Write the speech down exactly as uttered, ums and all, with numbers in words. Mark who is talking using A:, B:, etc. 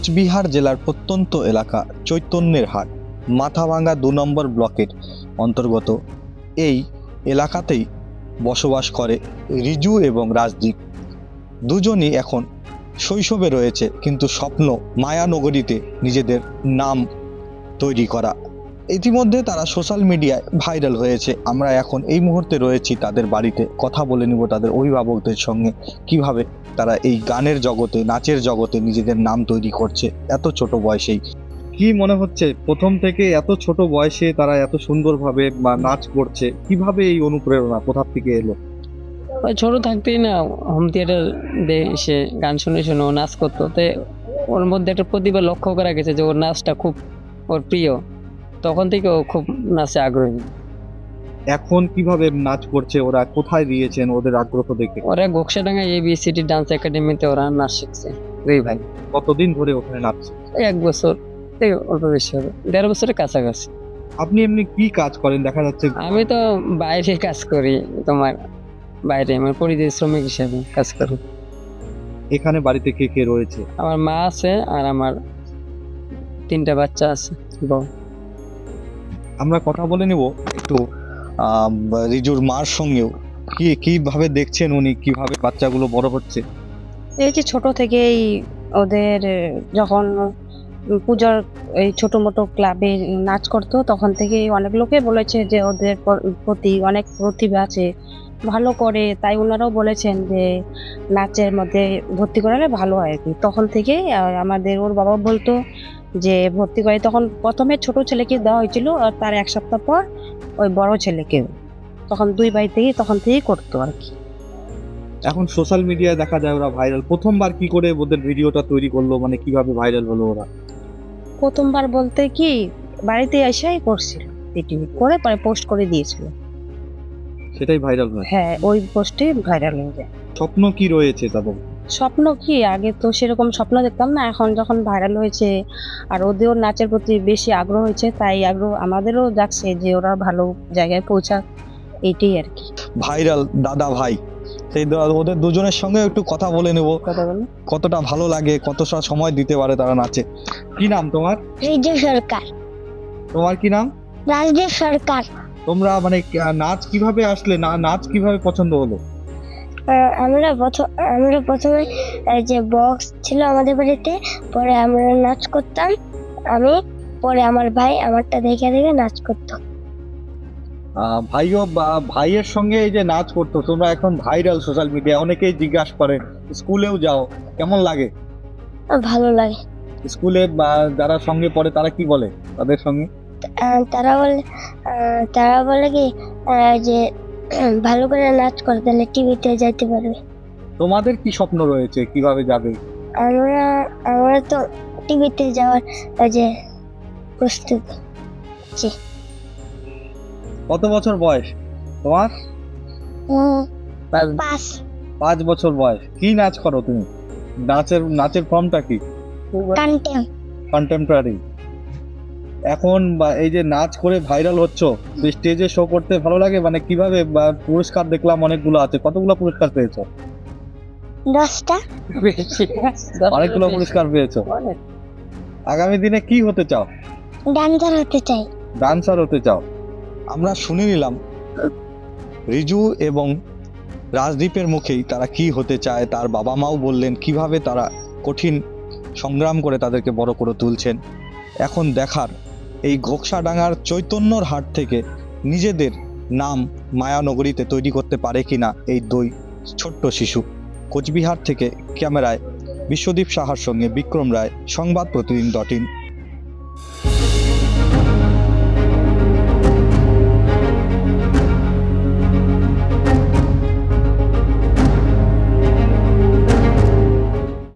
A: কোচবিহার জেলার প্রত্যন্ত এলাকা চৈতন্যের হাট মাথাভাঙ্গা দু নম্বর ব্লকের অন্তর্গত এই এলাকাতেই বসবাস করে রিজু এবং রাজদীপ। দুজনই এখন শৈশবে রয়েছে, কিন্তু স্বপ্ন মায়ানগরীতে নিজেদের নাম তৈরি করা। ইতিমধ্যে তারা সোশ্যাল মিডিয়ায় ভাইরাল হয়েছে। আমরা এখন এই মুহূর্তে রয়েছি তাদের বাড়িতে, কথা বলে নিব তাদের অভিভাবকদের সঙ্গে কিভাবে তারা এই গানের জগতে, নাচের জগতে নিজেদের নাম তৈরি করছে এত ছোট বয়সেই। কি মনে হচ্ছে প্রথম থেকে এত ছোট বয়সে তারা এত সুন্দরভাবে বা নাচ করছে, কিভাবে এই অনুপ্রেরণা কোথা থেকে এলো?
B: ওই ছোট থাকতেই না হোম থিয়েটার এসে গান শুনে শুনে ও নাচ করতো, তো ওর মধ্যে একটা প্রতিভা লক্ষ্য করা গেছে যে ওর নাচটা খুব ওর প্রিয়। তখন থেকে ও খুব নাচে আগ্রহী।
A: এখন কিভাবে নাচ করছে, ওরা কোথায় দিয়েছেন ওদের আগ্রহ দেখে?
B: ওরা গোকসাডাঙ্গা এবিসিডি ডান্স একাডেমিতে ওরা নাচ শিখছে দুই ভাই।
A: কতদিন ধরে ওখানে নাচছে?
B: এক বছর থেকে অল্প বেশি হবে, দেড় বছরের কাছাকাছি।
A: আপনি এমনি কি কাজ করেন? দেখা যাচ্ছে
B: আমি তো বাইরে কাজ করি, তোমার বাইরে আমার পরিযায়ী শ্রমিক হিসেবে কাজ করি।
A: এখানে বাড়িতে কে কে রয়েছে?
B: আমার মা আছে আর আমার তিনটা বাচ্চা আছে। বউ।
A: আমরা কথা বলে নিব একটু আহ, রিজুর মার সঙ্গেও। কি কিভাবে দেখছেন উনি, কিভাবে বাচ্চাগুলো বড় হচ্ছে?
C: এই যে ছোট থেকেই ওদের যখন পূজার এই ছোট মোটো ক্লাবে নাচ করতো, তখন থেকেই অনেক লোকে বলেছে যে ওদের প- প্রতি অনেক প্রতিভা আছে, ভালো করে। তাই ওনারাও বলেছেন যে নাচের মধ্যে ভর্তি করালে ভালো হয় আর কি। তখন থেকে আমাদের ওর বাবা বলতো যে ভর্তি করে। তখন প্রথমে ছোট ছেলেকে দেওয়া হয়েছিল, আর তার এক সপ্তাহ পর ওই বড় ছেলেকে। তখন দুই ভাই থেকেই তখন থেকেই করতো আর কি।
A: এখন সোশ্যাল মিডিয়ায় দেখা যায় ওরা ভাইরাল। প্রথমবার কি করে ওদের ভিডিওটা তৈরি করলো, মানে কিভাবে ভাইরাল হলো ওরা?
C: প্রথমবার বলতে কি, বাড়িতে এসেই করছিল, ভিডিও করে পরে পোস্ট করে দিয়েছিল।
A: সেটাই ভাইরাল হয়।
C: হ্যাঁ, ওই পোস্টে ভাইরাল হয়ে যায়।
A: স্বপ্ন কি রয়েছে তাদের?
C: স্বপ্ন কি, আগে তো সেরকম স্বপ্ন দেখতাম না, এখন যখন ভাইরাল হয়েছে আর ওদেরও নাচের প্রতি বেশি আগ্রহ হয়েছে, তাই আগ্রহ আমাদেরও যাচ্ছে যে ওরা ভালো জায়গায় পৌঁছাক, এইটাই আর কি।
A: ভাইরাল দাদা ভাই, সেই দা- ওদের দুজনের সঙ্গে একটু কথা বলে নেব।
C: কথা বলো।
A: কতটা ভালো লাগে, কতটা সময় দিতে পারে তারা নাচে। কি নাম তোমার?
D: রিজু সরকার।
A: তোমার কি নাম?
D: রাজদীপ সরকার।
A: তোমরা মানে কে- নাচ কিভাবে আসলে, না নাচ কিভাবে পছন্দ হলো?
D: আহ, আমরা প্রথম আমরা প্রথমে এই যে বক্স ছিল আমাদের বাড়িতে, পরে আমরা নাচ করতাম। আমি, পরে আমার ভাই আমারটা দেখে দেখে নাচ করতো।
A: আহ, ভাইও বা ভাইয়ের সঙ্গে এই যে নাচ করতো, তোমরা এখন ভাইরাল সোশ্যাল মিডিয়া, অনেকেই জিজ্ঞাসা করে, স্কুলেও যাও, কেমন লাগে?
D: আহ, ভালো লাগে।
A: স্কুলে বা যারা সঙ্গে পড়ে তারা কি বলে তাদের সঙ্গে?
D: আহ, তারা বলে আহ, তারা বলে কি আহ, যে উম, ভালো করে নাচ করে তাহলে টিভিতে যাইতে পারবে।
A: তোমাদের কি স্বপ্ন রয়েছে, কিভাবে যাবে?
D: আমরা আমরা তো টিভিতে যাওয়ার ওই যে প্রস্তুতি।
A: কত বছর বয়স তোমার?
D: উম,
B: তার-
D: পাঁচ।
A: পাঁচ বছর বয়স। কি নাচ করো তুমি? নাচের নাচের ফর্মটা কি?
D: কান্টেম।
A: কন্টেম্পোরারি। এখন বা এই যে নাচ করে ভাইরাল হচ্ছ, স্টেজে শো করতে ভালো লাগে? মানে কিভাবে, বা পুরস্কার দেখলাম অনেকগুলো আছে, কতগুলো পুরস্কার পেয়েছো?
D: দশটা।
B: বেশি।
A: অনেকগুলো পুরস্কার পেয়েছো।
B: অনেক।
A: আগামী দিনে কি হতে চাও?
D: ডান্সার হতে চাই।
A: ডান্সার হতে চাও। আমরা শুনে নিলাম রিজু এবং রাজদীপের মুখেই তারা কি হতে চায়। তার বাবা মাও বললেন কিভাবে তারা কঠিন সংগ্রাম করে তাদেরকে বড় করে তুলছেন। এখন দেখার এই ঘোকসাডাঙ্গার চৈতন্যর হাট থেকে নিজেদের নাম মায়ানগরীতে তৈরি করতে পারে কিনা এই দুই ছোট্ট শিশু। কোচবিহার থেকে ক্যামেরায় বিশ্বদীপ সাহার সঙ্গে বিক্রম রায়, সংবাদ প্রতিদিন ডট ইন।